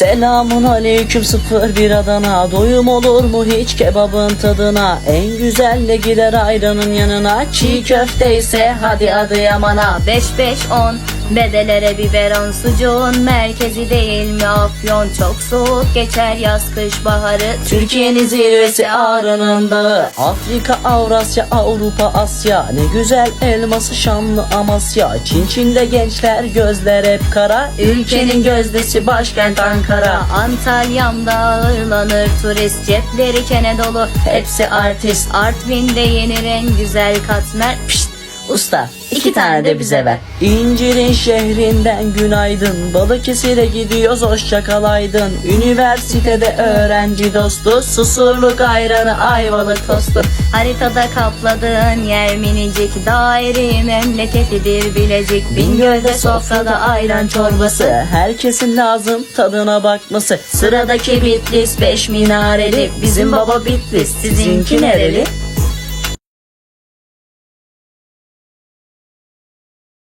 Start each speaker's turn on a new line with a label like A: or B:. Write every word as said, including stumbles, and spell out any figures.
A: Selamun aleyküm sıfır bir Adana. Doyum olur mu hiç kebabın tadına? En güzelle gider ayranın yanına. Çiğ köfte ise hadi Adıyaman'a.
B: Beş beş on bedelere biberon, sucuğun merkezi değil mi Afyon? Çok soğuk geçer yaz kış baharı.
A: Türkiye'nin zirvesi Ağrı'nın dağı. Afrika, Avrasya, Avrupa, Asya. Ne güzel elması Şamlı Amasya. Çin Çin'de gençler gözler hep kara. Ülkenin gözdesi başkent Ankara.
B: Antalya'mda ağırlanır turist, cepleri kene dolu,
A: Hepsi artist.
B: Artvin'de yenir en güzel katmer.
A: Pişt, usta iki tane de bize ver. İncir'in şehrinden günaydın. Balıkesir'e gidiyoruz hoşça kalaydın. Üniversitede öğrenci dostu. Susurluk ayranı Ayvalık tostu.
B: Haritada kapladığın yer minicik, daire memleketidir Bilecik. Bingöl'de sofrada ayran çorbası,
A: Herkesin lazım tadına bakması. Sıradaki Bitlis beş minareli. Bizim baba Bitlis, sizinki nereli?